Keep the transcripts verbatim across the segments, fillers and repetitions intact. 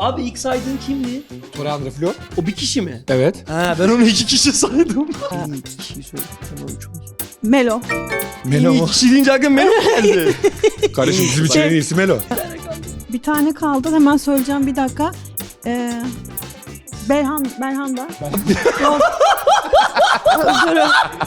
Abi ilk saydığın kimdi? Torreandre Flo. O bir kişi mi? Evet. Ha ben onu iki kişi saydım. En iyi iki kişiyi söyledim. Tamam üç olsun. Melo. Melo En iyi mu? kişi deyince aklıma Melo geldi. Kardeşim bizim için en iyisi Melo. Bir tane kaldı. Hemen söyleyeceğim bir dakika. Ee, Berhan, Berhan da. Yok. Özürüm.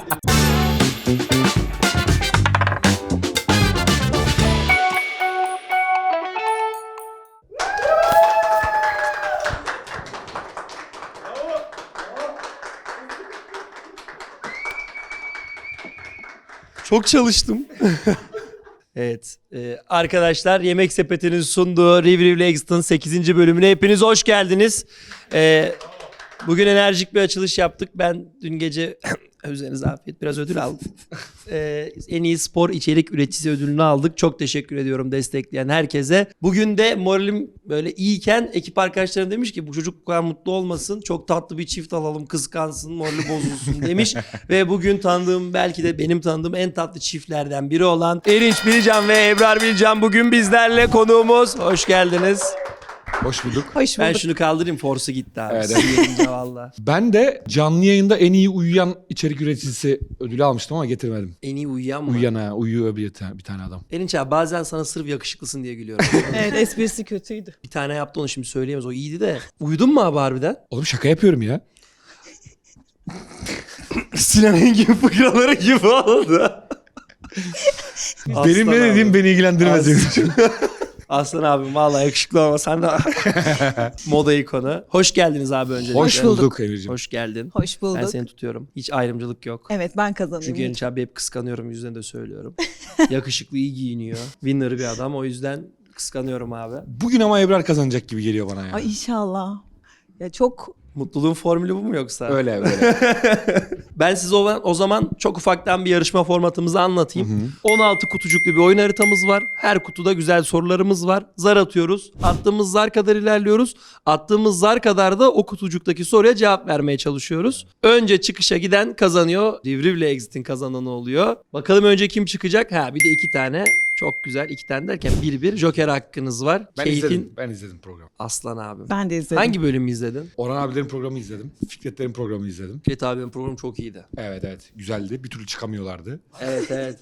Çok çalıştım. Evet. e, arkadaşlar Yemek Sepeti'nin sunduğu Rivriv Exit'in sekizinci bölümüne hepiniz hoş geldiniz. E, bugün enerjik bir açılış yaptık. Ben dün gece üzerinize afiyet biraz ödül aldım. E, en iyi spor içerik üreticisi ödülünü aldık. Çok teşekkür ediyorum destekleyen herkese. Bugün de moralim böyle iyiyken ekip arkadaşlarım demiş ki bu çocuk bu kadar mutlu olmasın. Çok tatlı bir çift alalım, kıskansın, morali bozulsun demiş. Ve bugün tanıdığım, belki de benim tanıdığım en tatlı çiftlerden biri olan Erinç Bilcan ve Ebrar Bilcan bugün bizlerle konuğumuz. Hoş geldiniz. Hoş bulduk. Hoş Ben bulduk. şunu kaldırayım, forsu gitti abi. Evet, Sıyırınca valla. Ben de canlı yayında en iyi uyuyan içerik üreticisi ödülü almıştım ama getirmedim. En iyi uyuyan mı? Uyuyan ha, uyuyor bir tane, bir tane adam. Erinç abi bazen sana sırf yakışıklısın diye gülüyorum. Evet, esprisi kötüydü. Bir tane yaptı onu şimdi söyleyemez. O iyiydi de. Uyudun mu abi harbiden? Oğlum şaka yapıyorum ya. Sinan Engin fıkraları gibi oldu. Benim ne dediğim beni ilgilendirmez. Aslan abim vallahi yakışıklı ama sen de moda ikonu. Hoş geldiniz abi öncelikle. Hoş bulduk Emir'ciğim. Hoş geldin. Hoş bulduk. Ben seni tutuyorum. Hiç ayrımcılık yok. Evet, ben kazanıyorum. Çünkü Erinç abi hep kıskanıyorum, yüzüne de söylüyorum. Yakışıklı, iyi giyiniyor. Winner bir adam, o yüzden kıskanıyorum abi. Bugün ama Ebrar kazanacak gibi geliyor bana ya. Ay inşallah. Ya çok Mutluluğun formülü bu mu yoksa? Öyle öyle. Ben size o, o zaman çok ufaktan bir yarışma formatımızı anlatayım. on altı kutucuklu bir oyun haritamız var. Her kutuda güzel sorularımız var. Zar atıyoruz. Attığımız zar kadar ilerliyoruz. Attığımız zar kadar da o kutucuktaki soruya cevap vermeye çalışıyoruz. Önce çıkışa giden kazanıyor. Rivriv'le Exit'in kazananı oluyor. Bakalım önce kim çıkacak? Ha bir de iki tane. Çok güzel. İki tane derken bir bir Joker hakkınız var. Ben Keyfin izledim. Ben izledim programı. Aslan abim. ben de izledim. Hangi bölümü izledin? Orhan abilerin programı izledim. Fikretlerin programı izledim. Fikret abinin programı çok iyiydi. Evet evet. Güzeldi. Bir türlü çıkamıyorlardı. Evet evet.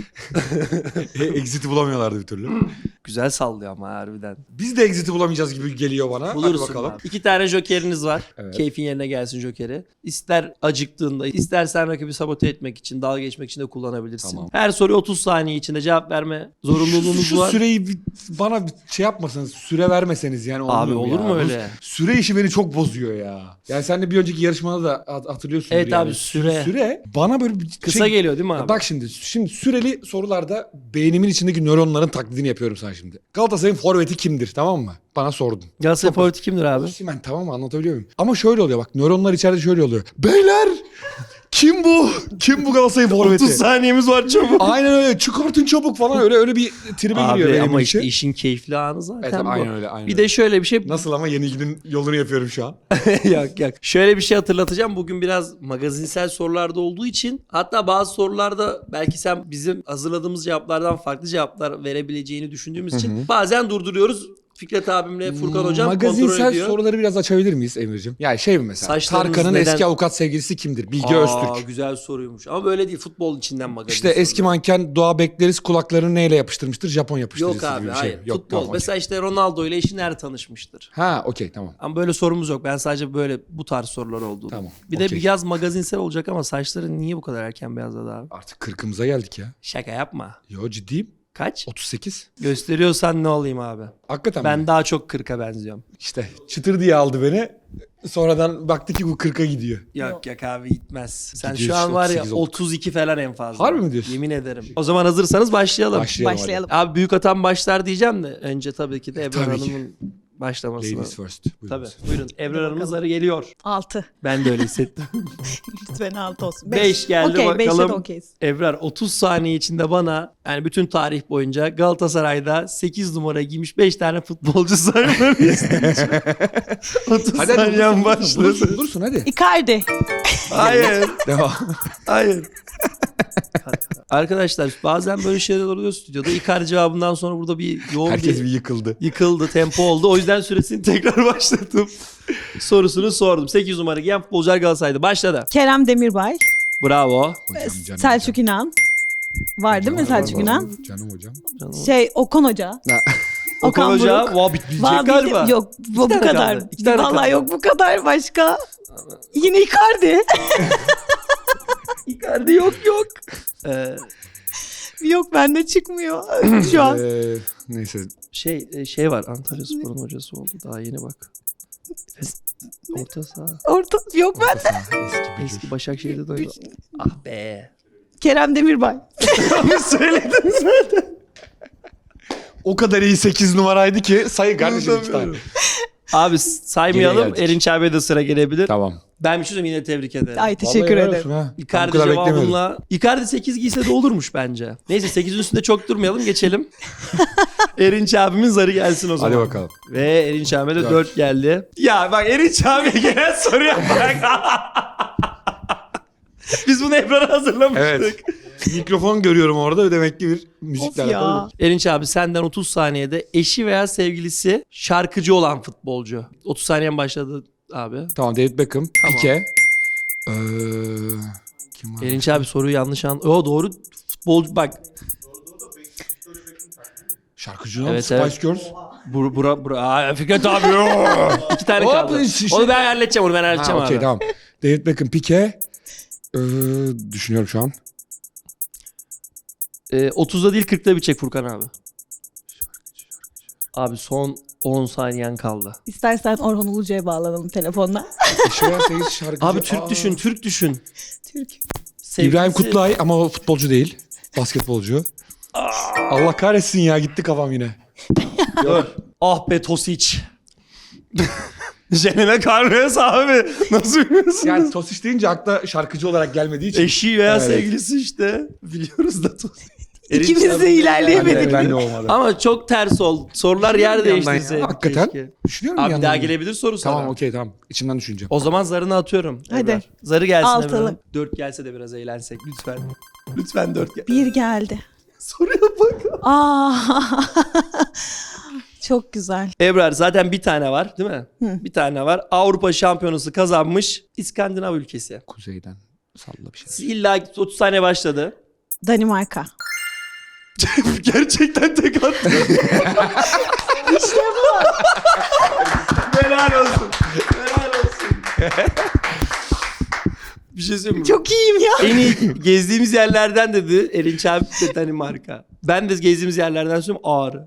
E, Exit'i bulamıyorlardı bir türlü. Güzel sallıyor ama harbiden. Biz de Exit'i bulamayacağız gibi geliyor bana. Bulursun Hadi bakalım. abi. İki tane jokeriniz var. Evet. Keyfin yerine gelsin jokeri. İster acıktığında, istersen rakibi sabote etmek için, dalga geçmek için de kullanabilirsin. Tamam. Her soruya otuz saniye içinde cevap verme zorunluluğunuz şu, şu var. süreyi bir, bana bir şey yapmasanız, süre vermeseniz yani olmuyor Abi olur ya. mu Bu öyle? Süre işi beni çok bozuyor ya. Yani sen de bir önceki yarışmada da hat- hatırlıyorsundur Evet yani. abi, süre. Süre bana böyle bir Kısa şey... geliyor değil mi abi? Bak şimdi, şimdi süreli sorularda beynimin içindeki nöronların taklidini yapıyorum sana şimdi. Galatasaray'ın forveti kimdir, tamam mı? Bana sordun. Galatasaray favoriti kimdir abi? Osimhen, tamam mı, anlatabiliyor muyum? Ama şöyle oluyor bak, nöronlar içeride şöyle oluyor. Beyler! Kim bu? Kim bu Galatasaray'ın forveti? otuz saniyemiz var çabuk. Aynen öyle, çıkartın çabuk falan, öyle öyle bir tribe giriyor Abi benim ama için. işte işin keyifli anı zaten Evet, bu. aynen öyle, aynen Bir öyle. de şöyle bir şey. Nasıl ama yenilginin yolunu yapıyorum şu an. Yok yok. Şöyle bir şey hatırlatacağım. Bugün biraz magazinsel sorularda olduğu için, hatta bazı sorularda belki sen bizim hazırladığımız cevaplardan farklı cevaplar verebileceğini düşündüğümüz için bazen durduruyoruz. Fikret abimle Furkan hocam kontrol Magazinsel ediyor. soruları biraz açabilir miyiz Emir'cim? Yani şey mi mesela? Saçlarınız Tarkan'ın neden- eski avukat sevgilisi kimdir? Bilge Aa, Öztürk. güzel soruymuş. Ama böyle değil. Futbol içinden magazin İşte eski soruları. manken Doğa Bekleriz kulaklarını neyle yapıştırmıştır? Japon yapıştırıcısı Yok abi gibi bir hayır. şey. Yok, Futbol. tamam, okey. Mesela işte Ronaldo ile eşi nerede tanışmıştır? Ha okey tamam. Ama böyle sorumuz yok. Ben sadece böyle bu tarz sorular oldu. Tamam, Bir de okey. biraz magazinsel olacak ama saçların niye bu kadar erken beyazladı abi? Artık kırkımıza geldik ya. Şaka yapma. Yo ciddiyim. Kaç? otuz sekiz. Gösteriyorsan ne olayım abi? Hakikaten Ben mi? daha çok kırka benziyorum. İşte çıtır diye aldı beni. Sonradan baktı ki bu kırka gidiyor. Yok yok abi gitmez. Sen Gidiyor şu an işte, var ya otuz sekiz olduk. otuz iki falan en fazla. Harbi mi diyorsun? Yemin ederim. O zaman hazırsanız başlayalım. Başlayalım. Başlayalım. Abi büyük atan başlar diyeceğim de önce tabii ki de Ebrar Tabii ki. Hanım'ın başlaması. Ladies first. Buyurun. Tabii. Buyurun. Ebrar Hanım'ın zarı geliyor. altı. Ben de öyle hissettim. Lütfen altı olsun. beş geldi Okey, beşe de bakalım. okeyiz. Ebrar otuz saniye içinde bana, yani bütün tarih boyunca Galatasaray'da sekiz numara giymiş beş tane futbolcu saymanı isteyeceğim. otuz Hadi hadi saniyen dursun, başladı. dursun, dursun hadi. Icardi. Hayır. Devam. Hayır. Arkadaşlar bazen böyle şeyler oluyor stüdyoda. İkar cevabından sonra burada bir yoğun Herkes bir bir yıkıldı. yıkıldı, tempo oldu. O yüzden süresini tekrar başlattım. Sorusunu sordum. sekiz numara giyen futbolcular Galatasaray'da. Başladı. Kerem Demirbay, Bravo. Hocam canım Selçuk İnan. Var değil mi Selçuk İnan? Canım hocam. Şey Okan Hoca. Ha. Okan Okan Hoca. Buruk. Vaa bitmeyecek Vallahi galiba. Yok bu, bu tane kadar. kaldı, iki tane Vallahi kaldı. yok bu kadar başka. Yine Icardi. Icardi yok yok. Ee, Yok bende çıkmıyor şu an. Ee, neyse. şey e, şey var. Antalya Spor'un hocası oldu. Daha yeni bak. Orta saha. Orta yok ben. Eski bir Eski Başakşehir'de de oynadı. Ah be. Kerem Demirbay. Onu söyledin zaten. O kadar iyi sekiz numaraydı ki sayı kardeşim iki tane. Abi saymayalım. Geriye geldik. Erinç abiye de sıra gelebilir. Tamam. Ben bir şey söyleyeyim, yine tebrik ederim. Ay teşekkür Vallahi helal ederim. olsun ha. Ben Icardi bu kadar beklemiyordum. cevabımla. Icardi sekiz giyse de olurmuş bence. Neyse sekizin üstünde çok durmayalım, geçelim. Erinç abimin zarı gelsin o zaman. Hadi bakalım. Ve Erinç abiye de Dört. dört geldi. Ya bak Erinç abiye gelen soruya bak. Biz bunu Ebrar'a hazırlamıştık. Evet. Mikrofon görüyorum orada ve demek ki bir müzikle Of ya. alakalı. Erinç abi senden otuz saniyede eşi veya sevgilisi şarkıcı olan futbolcu. otuz saniyen başladı abi. Tamam, David Beckham, Tamam. Pique. Ee, kim var? Erinç abi soruyu yanlış an. O doğru futbolcu bak. Şarkıcı lan, Evet, Spice evet. Girls. Bura bura bura. Aa, Fikret abi. İki tane Hop, kaldı. şey- Onu ben halledeceğim, onu ben halledeceğim Ha, abi. okey, tamam. David Beckham, Pique. Ee, düşünüyorum şu an. Ee, otuzda değil kırkta bitecek Furkan abi. Abi son on saniyen kaldı. İstersen Orhan Ulucu'ya bağlanalım telefonla. Eşi veya sevgilisi şarkıcı. Abi Türk Aa. düşün, Türk düşün. Türk. Sevgilisi- İbrahim Kutlay ama o futbolcu değil. Basketbolcu. Allah kahretsin ya, gitti kafam yine. Dur. Ah be Tosic. Jenene Carles abi. Nasıl bilmiyorsun? Yani Tosic deyince akla şarkıcı olarak gelmediği için. Eşi veya Evet. sevgilisi işte. Biliyoruz da Tosic. İkimiz Erinç de abi- ilerleyemedik. Ben de, ben de olmadı. Ama çok ters oldu. Sorular yer Bir yandan ya. değiştirseydik Hakikaten. keşke. Düşünüyorum bir Abi yandan. daha gelebilir soru sana. Tamam, okey, tamam. İçimden düşüneceğim. O zaman zarını atıyorum. Hadi. Ebrar. Zarı gelsin Altılı. Ebrar. Dört gelse de biraz eğlensek lütfen. Lütfen dört gel. Bir geldi. Soruya bak. Aa. Çok güzel. Ebrar zaten bir tane var değil mi? Hı. Bir tane var. Avrupa şampiyonası kazanmış İskandinav ülkesi. Kuzeyden salla bir şey. Siz illa otuz saniye başladı. Danimarka. Gerçekten tek attı. İşte bu. Helal olsun. Helal olsun. Bir şey söyleyeyim mi? Çok iyiyim ya. En iyi gezdiğimiz yerlerden dedi Erinç abi de Danimarka. Ben de gezdiğimiz yerlerden söylüyorum Ağrı.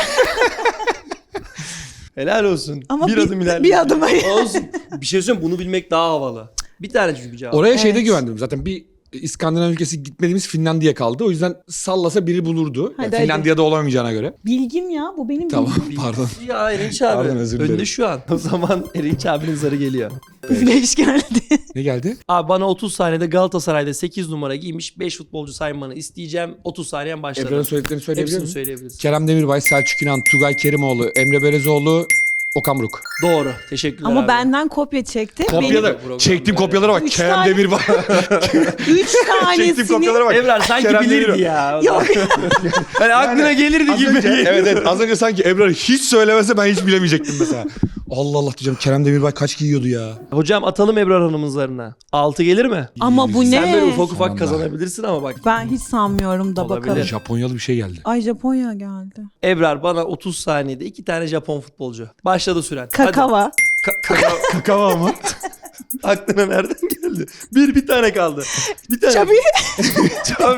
Helal olsun. Ama bir, bir- adım ilerledim. bir adım- Olsun. Bir şey söyleyeyim, bunu bilmek daha havalı. Bir tane çünkü cevap. Oraya şeyde Evet. güvendim. Zaten bir İskandinav ülkesi gitmediğimiz Finlandiya kaldı. O yüzden sallasa biri bulurdu. Yani Hadi, hadi. Finlandiya'da olamayacağına göre. Bilgim ya. Bu benim Tamam, bilgim. pardon. Ya Erinç abi. Pardon, özür dilerim. Önde şu an. O zaman Erinç abinin zarı geliyor. Güneş geldi. Ne geldi? Abi bana otuz saniyede Galatasaray'da sekiz numara giymiş beş futbolcu saymanı isteyeceğim. otuz saniyen başladı. Ebrar'ın söylediklerini söyleyebilir Hepsini miyim? söyleyebiliriz. Kerem Demirbay, Selçuk İnan, Tugay Kerimoğlu, Emre Belezoğlu, Okan Buruk. Doğru. Teşekkürler Ama abi. benden kopya çekti. Kopyalar. program Çektiğim yani. kopyalara bak. Üç Kerem tane- Demirbay. Benim üç Çektiğim tanesini. kopyalara bak. Ebrar sanki Kerem bilirdi Demirbay. ya. Yok. Hani aklına gelirdi Az gibi. önce, evet evet az önce sanki Ebrar hiç söylemese ben hiç bilemeyecektim mesela. Allah Allah diyeceğim, Kerem Demirbay kaç giyiyordu ya. Hocam atalım Ebrar Hanım'ın zarına. altı gelir mi? Ama bu Sen böyle ne? ufak ufak Sonunda. kazanabilirsin ama bak. Ben hiç sanmıyorum da Olabilir. bakalım. Japonyalı bir şey geldi. Ay Japonya geldi. Ebrar bana otuz saniyede iki tane Japon futbolcu. Başladı süren. Kakava. Hadi. Ka- kakao. Kakava mı? Aklına nereden geldi? Bir bir tane kaldı. Bir tane. Çabi. Çabi.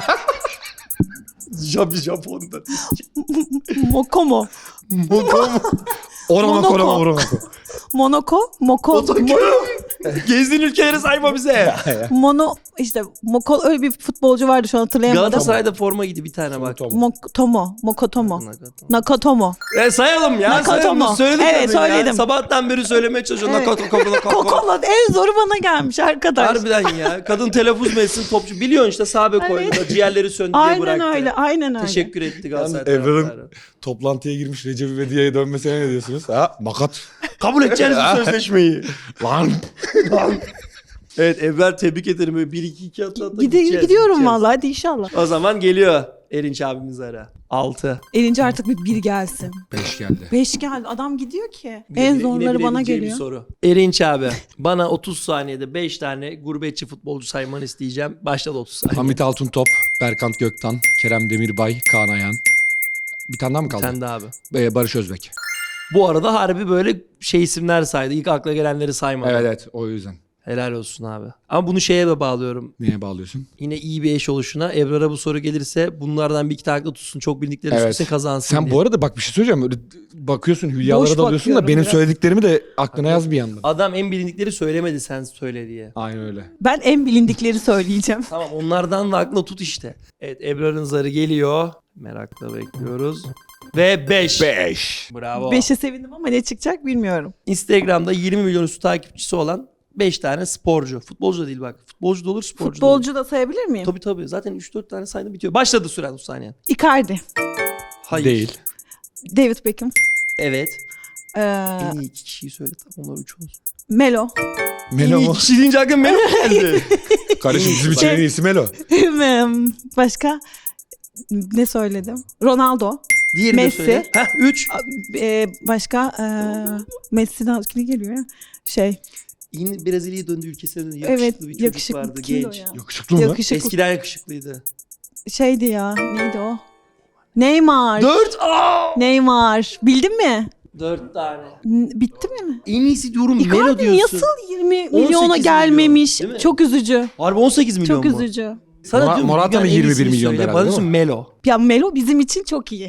Jabi Japon'da. Mokomo. Mokomo. Orama Monaco. korama orama. Monoko. Moko. Otokyo. Gezdiğin ülkeleri sayma bize. Mono işte Moko öyle bir futbolcu vardı şu an hatırlayamadım. Galatasaray'da forma giydi bir tane bak. Mokotomo. Mokotomo. Nakatomo. E sayalım ya. Nakatomo. Sayalım. Söyledik Evet, kadın ya. söyledim. Sabahtan beri söylemeye çalışıyorum. Evet. Nakatomo. Nakatomo. Kokola en zoru bana gelmiş arkadaş. Harbiden ya. Kadın telaffuz mu etsin topçu. Biliyorsun işte sahabe koydu da ciğerleri söndü diye Aynen bıraktı. öyle. Aynen öyle. Teşekkür etti Galatasaray Yalnız Evrar'ın- taraftarı. Toplantıya girmiş Recep İvedik'e dönmesine ne diyorsunuz? Ha makat. Kabul edeceğiz bu sözleşmeyi. Lan. Lan. Evet Ebrar tebrik ederim. Böyle bir iki iki atla atla Gide- gideceğiz, gidiyorum gideceğiz. vallahi, hadi inşallah. O zaman geliyor Erinç abimiz ara. altı. Elince artık bir bir gelsin. Beş geldi. Beş geldi. Adam gidiyor ki. En zorları bana Bir geliyor. soru. Erinç abi bana otuz saniyede beş tane gurbetçi futbolcu saymanı isteyeceğim. Başladı otuz saniye. Hamit Altıntop, Berkant Göktan, Kerem Demirbay, Kaan Ayhan. Bir tane daha mı kaldı? Sen de abi. Ee, Barış Özbek. Bu arada harbi böyle şey isimler saydı. İlk akla gelenleri saymadı. Evet evet o yüzden. Helal olsun abi. Ama bunu şeye de bağlıyorum. Niye bağlıyorsun? Yine iyi bir eş oluşuna. Ebrar'a bu soru gelirse bunlardan bir iki tane akla tutsun. Çok bildikleri Evet. üstüne kazansın Sen diye. bu arada bak bir şey söyleyeceğim. Öyle bakıyorsun hülyalara Boş dalıyorsun da bakıyorum benim biraz. söylediklerimi de aklına yaz bir yandan. Adam en bilindikleri söylemedi sen söyle diye. Aynen öyle. Ben en bilindikleri söyleyeceğim. Tamam onlardan da aklına tut işte. Evet Ebrar'ın zarı geliyor. Merakla bekliyoruz. Ve beş. Beş. Bravo. Beşe sevindim ama ne çıkacak bilmiyorum. Instagram'da yirmi milyon üstü takipçisi olan beş tane sporcu. Futbolcu da değil bak. Futbolcu da olur, sporcu da olur. Futbolcu da sayabilir miyim? Tabii tabii. Zaten üç dört tane saydı bitiyor. Başladı süren otuz saniye. Icardi, Hayır. Değil. David Beckham, Evet. ee, En iyi iki kişiyi söyle. Tamam onlar üç olsun. Melo, Melo En iyi mu? iki kişi deyince aklıma Melo geldi. Kardeşim bizim için Şey- en iyisi Melo. başka ne söyledim? Ronaldo, Diğerini Messi. de söyle. Heh üç. ee, başka ee, Messi'den ne geliyor ya? Şey, Yine Brezilya'ya döndü ülkesine döndü. Yakışıklı evet bir çocuk yakışıklı. vardı Kimdi o genç. ya? Yakışıklı mı? Yakışıklı. Eskiden yakışıklıydı. Şeydi ya, neydi o? Neymar. Dört. Aa! Neymar. Bildin mi? Dört tane. N- Bitti mi? En iyisi diyorum Melo Icardi diyorsun. nasıl yirmi on sekiz milyona milyon, gelmemiş? değil mi? Çok üzücü. Harbi on sekiz milyon Çok mu? üzücü. Sana Mora- diyorum Morata dünyanın mı en yirmi bir iyisini milyon söyle. herhalde, Bana değil diyorsun mi? Melo. Ya Melo bizim için çok iyi.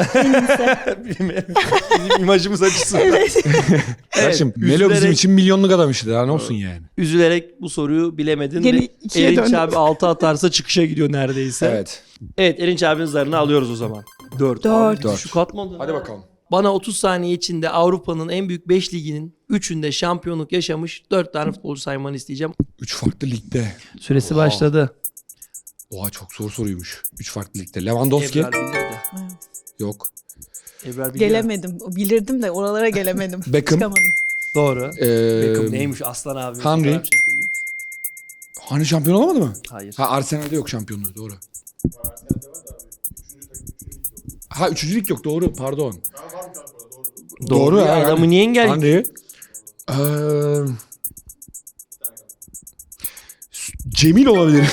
Bizim imajımız açısından. Evet. Kardeşim Evet, Melo bizim üzülerek- için milyonluk adam işte. Daha ne olsun yani. Üzülerek bu soruyu bilemedin. Gene ve ikiye Erinç döndüm. abi altı atarsa çıkışa gidiyor neredeyse. Evet. Evet. Erinç abinin zarını alıyoruz o zaman. dört. Dört. Dört. Şu katmadı. Hadi bakalım. Bana otuz saniye içinde Avrupa'nın en büyük beş liginin üçünde şampiyonluk yaşamış dört tane futbolcu saymanı isteyeceğim. Üç farklı ligde. Süresi Oha. başladı. Oha çok zor soruymuş. Üç farklı ligde. Lewandowski. Ebrar bilirdi. Yok. Ebrar biliyor. Gelemedim. Bilirdim de oralara gelemedim. Beckham. Çıkamadım. Doğru. Ee, Beckham neymiş aslan abi. Henry. Fotoğraf çekildik. Hani şampiyon olamadı mı? Hayır. Ha Arsenal'de yok şampiyonluğu doğru. Ha üçüncü lig yok doğru pardon. Doğru, Doğru ya. ya, Adamı yani. niye engel? Henry. Ee, Cemil olabilir.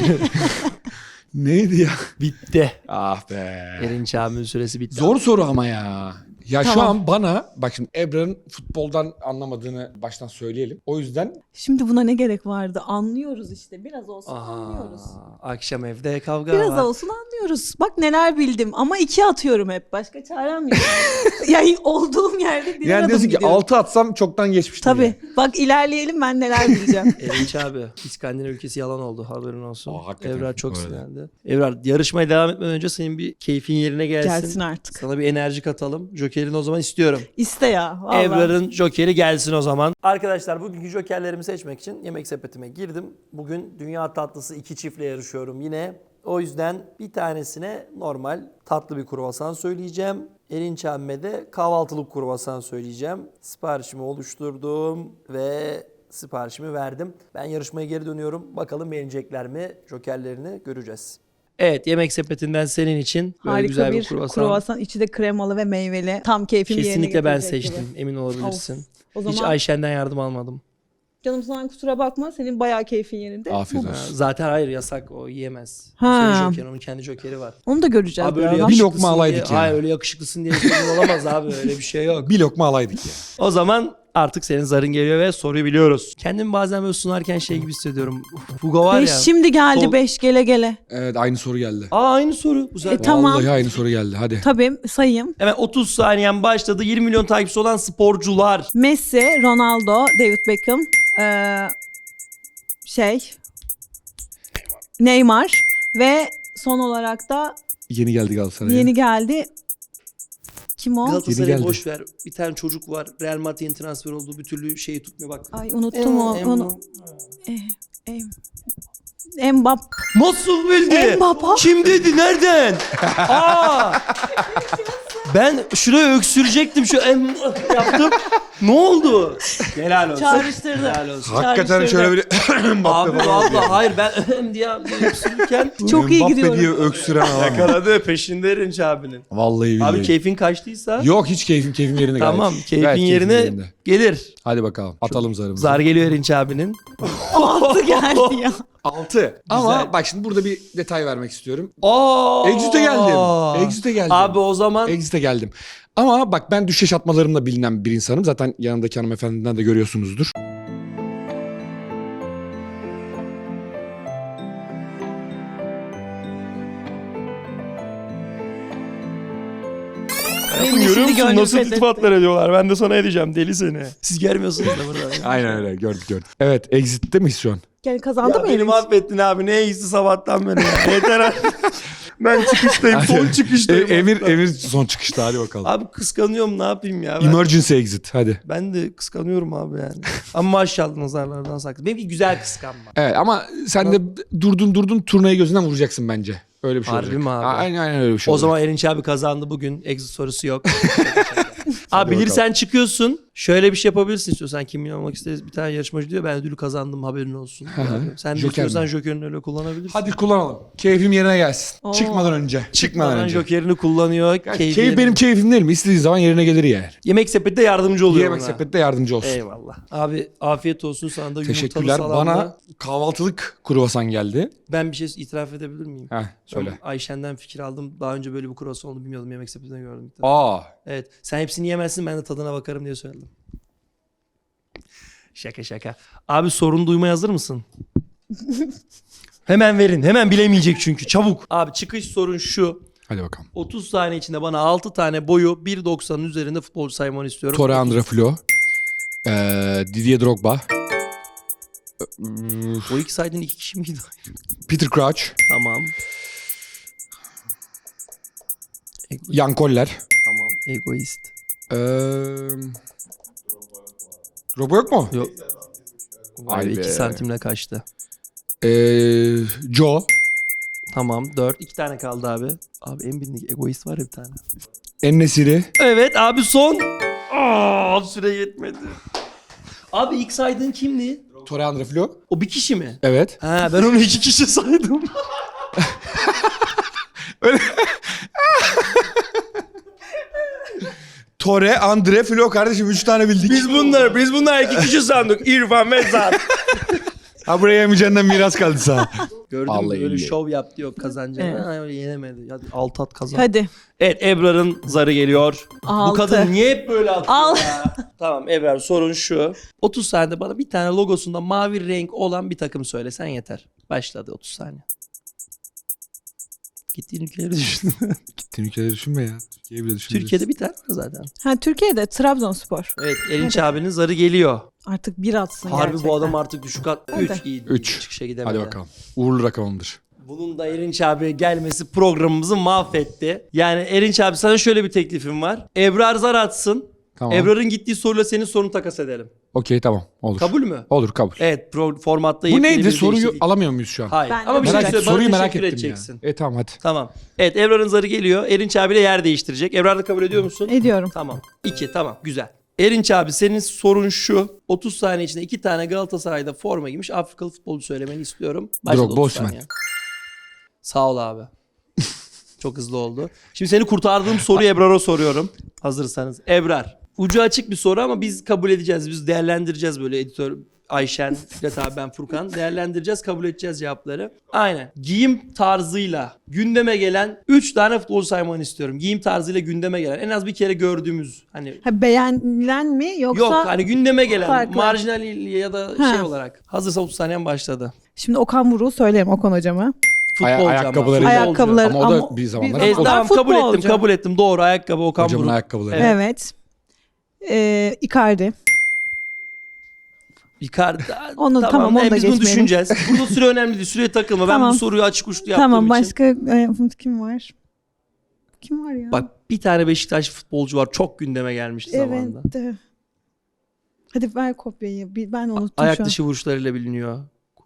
Neydi ya? Bitti. Ah be. Erinç abinin süresi bitti. Zor soru ama ya. Ya şu Tamam. an bana bak şimdi Ebrar'ın futboldan anlamadığını baştan söyleyelim. O yüzden Şimdi buna ne gerek vardı? Anlıyoruz işte. Biraz olsun Aha, anlıyoruz. akşam evde kavga Biraz var. olsun anlıyoruz. Bak neler bildim ama iki atıyorum hep. Başka çarem yok. yani olduğum yerde bir yani adım diyorsun ki gidiyorum. altı atsam çoktan geçmiştim. Tabii. yani. Bak ilerleyelim ben neler bileceğim. Erinç abi İskandinav ülkesi yalan oldu haberin olsun. Aa, hakikaten, Evrar çok bu arada. sinirlendi. Evrar yarışmaya devam etmeden önce senin bir keyfin yerine gelsin. Gelsin artık. Sana bir enerji katalım. Joker'ini o zaman istiyorum. İste ya. Vallahi. Evrar'ın Joker'i gelsin o zaman. Arkadaşlar bugünkü Joker'lerimi seçmek için yemek sepetime girdim. Bugün dünya tatlısı iki çiftle yarışıyorum yine. O yüzden bir tanesine normal tatlı bir kruvasan söyleyeceğim. Erinç abime de kahvaltılık kruvasan söyleyeceğim. Siparişimi oluşturdum ve siparişimi verdim. Ben yarışmaya geri dönüyorum. Bakalım beğenecekler mi? Jokerlerini göreceğiz. Evet yemek sepetinden senin için böyle Harika güzel bir, bir kruvasan. kruvasan. içi de kremalı ve meyveli. Tam keyfimi yerine Kesinlikle ben getirecek seçtim. gibi. Emin olabilirsin. O Hiç zaman Ayşen'den yardım almadım. canım sana kusura bakma. Senin bayağı keyfin yerinde. Afiyet Ha, olsun. zaten hayır yasak o yiyemez. Ha. O senin Joker'in, onun kendi Joker'i var. Onu da göreceğiz Abi öyle birazdan. Bir yakışıklısın lokma alaydık diye, ya. Hayır öyle yakışıklısın diye sorun olamaz abi öyle bir şey yok. Bir lokma alaydık ya. O zaman artık senin zarın geliyor ve soruyu biliyoruz. Kendimi bazen böyle sunarken şey gibi hissediyorum. Fugo var Beş ya. şimdi geldi Sol- beş gele gele. Evet aynı soru geldi. Aa aynı soru. Güzel. E, tamam. Vallahi aynı soru geldi hadi. Tabii sayayım. Hemen otuz saniyen başladı. yirmi milyon takipçisi olan sporcular. Messi, Ronaldo, David Beckham, ee, şey, Neymar ve son olarak da Yeni geldi Galatasaray'a. yeni geldi. Kim o? Yeni Galatasaray'ı geldi. boş ver. Bir tane çocuk var. Real Madrid'in transfer olduğu bir türlü şeyi tutmuyor bak. Ay unuttum o. Em- Onu. Em, Mbappe. Nasıl bildi? Mbappe. Kim dedi? Nereden? Aa! Ben şuraya öksürecektim. Şu em yaptım. Ne oldu? Helal olsun. Çağrıştırdı. Helal olsun. Hakikaten Çağrıştırdı. şöyle bir Abi valla hayır ben diye öksürürken Çok iyi Mbappe gidiyorum. diye öksüren adam. yakaladı peşinde Erinç abinin. Vallahi billahi. Abi keyfin kaçtıysa Yok hiç keyfim keyfim yerinde gayet. tamam keyfin Gayet keyfim yerine yerinde. gelir. Hadi bakalım atalım zarımızı. Zar geliyor Erinç abinin. Altı geldi ya. altı. Ama Güzel. bak şimdi burada bir detay vermek istiyorum. Aa! Exit'e geldim. Exit'e geldim. Abi o zaman Exit'e geldim. Ama bak ben düşeş atmalarımla bilinen bir insanım. Zaten yanındaki hanımefendiden de görüyorsunuzdur. Benim de şimdi gönlüm fethetti. ediyorlar? Ben de sana edeceğim deli seni. Siz gelmiyorsunuz da burada. Aynen öyle gördük gördük. Evet Exit'te miyiz şu an? Yani kazandı Ya mı beni Erinç? mahvettin abi. Ne iyisi sabahtan beri. ya. Yeter artık. Ben çıkıştayım. Son E, çıkıştayım. Emir, hatta. Emir son çıkışta hadi bakalım. Abi kıskanıyorum ne yapayım ya. Ben, Emergency exit hadi. ben de kıskanıyorum abi yani. Ama maşallah nazarlardan saklı. Benimki güzel kıskanma. Evet ama sen de durdun durdun turnayı gözünden vuracaksın bence. Öyle bir şey Harbi olacak. mi abi? A- Aynen aynen öyle bir şey O olacak. zaman Erinç abi kazandı bugün. Exit sorusu yok. Hadi Abi bilirsen çıkıyorsun. Şöyle bir şey yapabilirsin istiyorsan. Kim milyon olmak isteriz bir tane yarışmacı diyor. Ben ödülü kazandım haberin olsun. hı. Sen de Joker istiyorsan mi? Joker'ini öyle kullanabilirsin. Hadi kullanalım. Keyfim yerine gelsin. Oo. Çıkmadan önce. Çıkmadan Çıkmadan önce. Joker'ini kullanıyor. Keyif keyfi yerine. benim keyfim değil mi? İstediği zaman yerine gelir yani. Yemek sepette yardımcı oluyor Yemek ona. sepette yardımcı olsun. Eyvallah. Abi afiyet olsun sana da yumurtalı Teşekkürler. salamla. Bana kahvaltılık kruvasan geldi. Ben bir şey itiraf edebilir miyim? Heh, söyle. Ben Ayşen'den fikir aldım. Daha önce böyle bir kruvasan olduğunu bilmiyordum. Yemek sepetinde gördüm. ilk defa. Aa. Evet. Sen hepsini yemezsin ben de tadına bakarım diye söyledim. Şaka şaka. Abi sorun duymaya hazır mısın? Hemen verin. Hemen bilemeyecek çünkü. Çabuk. Abi çıkış sorun şu. Hadi bakalım. otuz saniye içinde bana altı tane boyu bir doksanın üzerinde futbolcu saymanı istiyorum. Tore Andra Flo. Ee, Didier Drogba. O iki saydığın iki kişi miydi? Peter Crouch. Tamam. Ego- Jan Koller. tamam. Egoist. Ee, Drogba yok mu? Yok. Vay Vay be. be. iki santimle kaçtı. Ee, Joe. Tamam. Dört. iki tane kaldı abi. Abi en bilindik egoist var ya bir tane. En-Nesyri. Evet abi son. Aa, süre yetmedi. Abi ilk saydığın kimdi? Tore Andra Flo. O bir kişi mi? Evet. Ha ben onu iki kişi saydım. Tore Andre Flo kardeşim üç tane bildik. biz bunlar biz bunlar iki kişi sandık. İrfan ve Zat. Ha buraya yemeyeceğinden miras kaldı sana. Gördün mü Vallahi böyle iyi. şov yaptı yok kazanacağını. Evet. Ha, öyle yenemedi. Hadi alt at kazan. Hadi. Evet Ebrar'ın zarı geliyor. Bu Altı. kadın niye hep böyle atıyor Al. ya? Tamam Ebrar sorun şu. otuz saniyede bana bir tane logosunda mavi renk olan bir takım söylesen yeter. Başladı otuz saniye. Gittiğin ülkeleri düşün. Gittiğin ülkeleri düşünme ya. Türkiye'yi bile düşünme. Türkiye'de bir tane var zaten. Ha Türkiye'de Trabzonspor. Evet Erinç abinin zarı geliyor. Artık bir atsın Harbi gerçekten. bu adam artık düşük at. Hadi. üç iyi. Üç. Çıkışa gidemedi. Hadi bakalım. Uğurlu rakamımdır. Bunun da Erinç abi gelmesi programımızı mahvetti. Yani Erinç abi sana şöyle bir teklifim var. Ebrar zar atsın. Tamam. Ebrar'ın gittiği soruyla senin sorunu takas edelim. Okey tamam olur. Kabul mü? Olur kabul. Evet pro- formatta Bu yepyeni neydi? bir Soruyu değişiklik. alamıyor muyuz şu an? Hayır. Ben de Ama bir şey Merak, söyle. soruyu Bana merak teşekkür ettim edeceksin. ya. E tamam hadi. Tamam. Evet Ebrar'ın zarı geliyor. Erinç abiyle yer değiştirecek. Ebrar da kabul ediyor musun? Ediyorum. Tamam. İki tamam güzel. Erinç abi senin sorun şu. otuz saniye içinde iki tane Galatasaray'da forma giymiş Afrikalı futbolcu söylemeni istiyorum. Başladı Drogba, otuz Osimhen. saniye. Sağ ol abi. Çok hızlı oldu. Şimdi seni kurtardığım soruyu Ebrar'a soruyorum. Hazırsanız. Ebrar. Ucu açık bir soru ama biz kabul edeceğiz. Biz değerlendireceğiz böyle editör Ayşen, Fikret abi ben Furkan. Değerlendireceğiz, kabul edeceğiz cevapları. Aynen. Giyim tarzıyla gündeme gelen üç tane futbolcu saymanı istiyorum. Giyim tarzıyla gündeme gelen. En az bir kere gördüğümüz hani Ha, beğenilen mi yoksa? yok hani gündeme gelen farklı. marjinal ya da Ha. şey olarak. Hazırsa otuz saniyen başladı. Şimdi Okan Buruk'u söylerim Okan hocama. Ay- Futbolcu ama. ayakkabıları- Futbolcu. Ayakkabıları Ama o da ama bir zamanlar Evet, futbolcu. tamam kabul ettim futbolcu. kabul ettim. Doğru ayakkabı Okan Hocamın Buruk. ayakkabıları. Evet. Evet. Ee, Icardi. Icardi. Onu- tamam, onu e, da biz bunu geçmeyelim. düşüneceğiz. Burada süre önemli değil. Süreye takılma. Ben Tamam. bu soruyu açık uçlu yaptığım Tamam için. başka e, kim var? Kim var ya? Bak bir tane Beşiktaş futbolcu var. Çok gündeme gelmişti evet. zamanında. de. Hadi ver kopyayı. Bir- Ben unuttum Ayak şu an. dışı vuruşlarıyla biliniyor.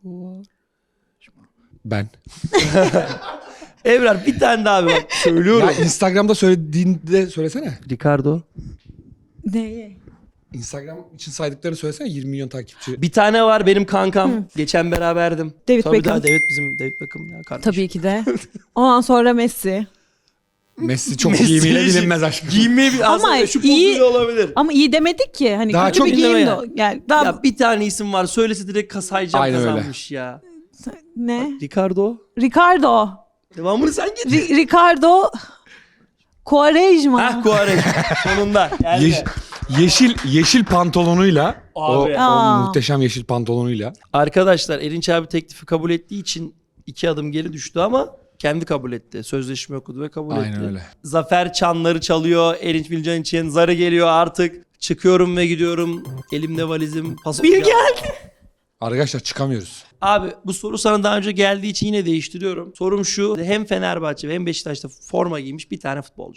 Ben. Evrar bir tane daha bir bak. Söylüyorum. Ya Instagram'da söylediğinde söylesene. Ricardo. Neyi? Instagram için saydıklarını söylesene, yirmi milyon takipçi. Bir tane var benim kankam. Geçen beraberdim. David Tabii Beckham. daha David bizim David Beckham ya kardeşim. Tabii ki de. Ondan sonra Messi. Messi çok Messi giyimiyle için- bilinmez aşkım. Giyinmeyi bir Ama aslında şu iyi- pozuyla olabilir. Ama iyi demedik ki. Hani Daha kötü çok bir dinleme giyim de ya. o. Yani daha Ya bir tane isim var. Söylese direkt kasayacağım Aynen öyle. kazanmış ya. ne? Ricardo. Ricardo. Devamını sen getir. Ri- Ricardo Quaresma. Heh Kuarez. Sonunda. Geldi. Yeş- yeşil yeşil pantolonuyla o, Abi. o Aa. muhteşem yeşil pantolonuyla. Arkadaşlar Erinç abi teklifi kabul ettiği için iki adım geri düştü ama kendi kabul etti. Sözleşme okudu ve kabul Aynen etti. öyle. Zafer çanları çalıyor. Erinç Bilcan için zarı geliyor artık. Çıkıyorum ve gidiyorum. Elimde valizim. Pas- Bir Ya- geldi. Arkadaşlar çıkamıyoruz. Abi bu soru sana daha önce geldiği için yine değiştiriyorum. Sorum şu. Hem Fenerbahçe hem Beşiktaş'ta forma giymiş bir tane futbolcu.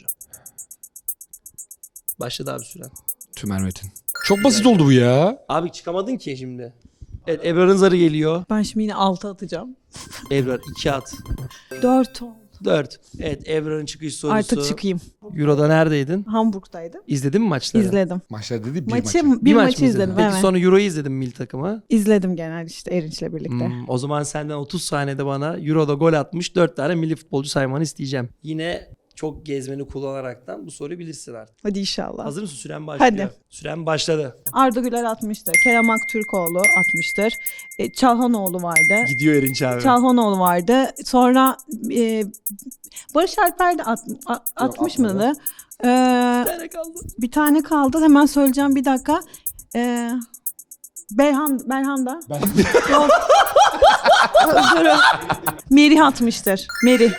Başladı abi süren. Tümer Metin. Çok basit oldu bu ya. Abi çıkamadın ki şimdi. Evet Ebrar'ın zarı geliyor. Ben şimdi yine altı atacağım. Ebrar iki at. dört oldu. dört. Evet Ebrar'ın çıkış sorusu. Artık çıkayım. Euro'da neredeydin? Hamburg'daydım. İzledin mi maçları? İzledim. Maçlar dedi bir Maçı, maçı. bir maç maçı mı izledim. Peki Evet. sonra Euro'yu izledin mi milli takıma? İzledim genel işte Erinç'le birlikte. Hmm, o zaman senden otuz saniyede bana Euro'da gol atmış dört tane milli futbolcu saymanı isteyeceğim. Yine çok gezmeni kullanaraktan bu soruyu bilirsin artık. Hadi inşallah. Hazır mısın? Süren başlıyor. Hadi. Süren başladı. Arda Güler atmıştır. Kerem Aktürkoğlu atmıştır. E, Çalhanoğlu vardı. Gidiyor Erinç abi. Çalhanoğlu vardı. Sonra e, Barış Alper de at, a- atmış atmadı. mıydı? E, Bir tane kaldı. bir tane kaldı. Hemen söyleyeceğim bir dakika. E, Berhan, Berhan da. Ben... Yok. Özür Merih atmıştır. Merih.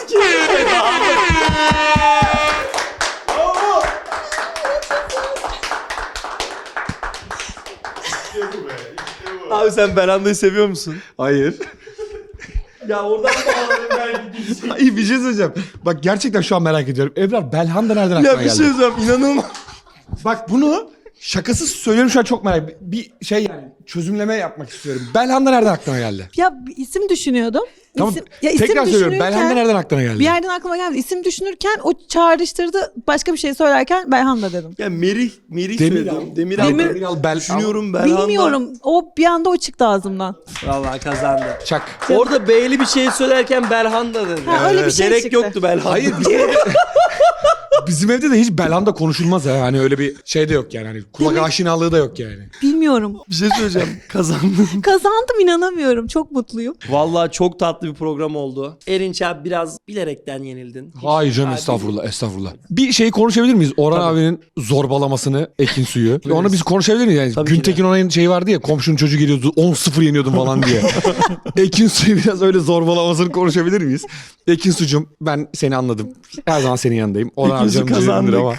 Abi sen Belanda'yı seviyor musun? Hayır. Ya oradan bağladım ben gideceğim. Hayır bir şey söyleyeceğim. Bak gerçekten şu an merak ediyorum. Ebrar Belhanda nereden aklına Ya bir geldi? şey söyleyeceğim inanılmaz. Bak bunu şakasız söylüyorum, şu an çok merak ediyorum. Bir şey yani çözümleme yapmak istiyorum. Belhanda nereden aklına geldi? Ya bir isim düşünüyordum. Tamam İsim, ya isim tekrar söylüyorum. düşünürken- Belhanda nereden aklına geldi? Bir yerden aklıma geldi. İsim düşünürken o çağrıştırdı. Başka bir şey söylerken Belhanda dedim. Ya Merih, Merih Demiral. söyledim. Demiral. Demir- Demiral Bel... Düşünüyorum Belhanda. Bilmiyorum. O bir anda o çıktı ağzımdan. Vallahi kazandı. Çak. Orada B'li bir şey söylerken Belhanda dedi. Ha, öyle bir şey Gerek çıktı. yoktu Belhanda. Hayır bizim evde, bizim evde de hiç Belhanda konuşulmaz ha. Hani öyle bir şey de yok yani. Hani kulak Demek- aşinalığı da yok yani. Bilmiyorum. Bir şey söyleyeceğim. Kazandın. Kazandım inanamıyorum. Çok mutluyum. Vallahi çok tatlı bir program oldu. Erinç abi biraz bilerekten yenildin. Hayır canım Abi- estağfurullah estağfurullah. Bir şeyi konuşabilir miyiz? Orhan Tabii. abinin zorbalamasını Ekin Suyu. Onu biz konuşabilir miyiz? Yani Tabii ki Güntekin Onay'ın şeyi vardı ya, komşunun çocuğu geliyordu on sıfır yeniyordum falan diye. Ekin Suyu biraz öyle zorbalamasını konuşabilir miyiz? Ekin Sucuğum ben seni anladım. Her zaman senin yanındayım. Orhan abi Ekin Su canım canımdır kazandık. ama.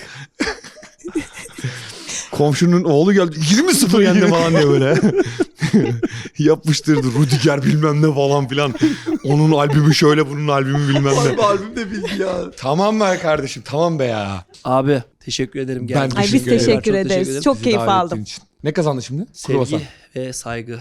Komşunun oğlu geldi yirmi sıfır yendi falan diye böyle. Yapmıştırdı Rudiger bilmem ne falan filan. Onun albümü şöyle, bunun albümü bilmem ne. Abi albüm de bildi ya. Tamam be kardeşim, tamam be ya. Abi teşekkür ederim. Ben geldiğin Ay için. biz Teşekkür ederim. teşekkür Çok ederiz. ederim. Çok Bizi keyif davet aldım. ettiğin için. Ne kazandı şimdi? Kruvasan. Sevgi ve saygı.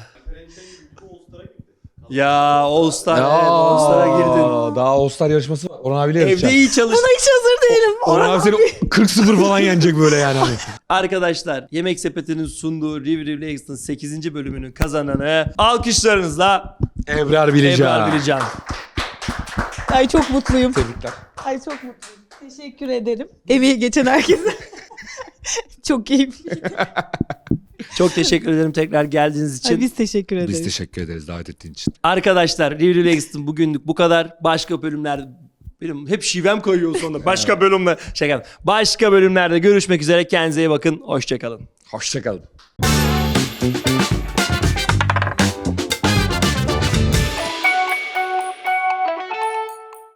Ya All Star, evet, All Star'a girdin. Daha All Star yarışması var. Orhan abiyle Evde yarışacağım. iyi çalış. Buna hiç hazır değilim. Orhan abi seni kırk sıfır falan yenecek böyle yani. Hani. Arkadaşlar Yemek Sepeti'nin sunduğu Riv Riv Ext'ın sekizinci bölümünün kazananı alkışlarınızla Ebrar Bilecan. Ebrar Bilecan. Ay çok mutluyum. Tebrikler. Ay çok mutluyum. Teşekkür ederim. Emeği geçen herkese. Çok keyifliydi. Çok teşekkür ederim tekrar geldiğiniz için. Ay biz teşekkür ederiz. Biz teşekkür ederiz davet ettiğin için. Arkadaşlar Riv Riv Ext'ın bugünlük bu kadar. Başka bölümlerde benim hep şivem kayıyor sonra. Başka bölümler şaka. Başka bölümlerde görüşmek üzere. Kendinize iyi bakın. Hoşça kalın. Hoşçakalın.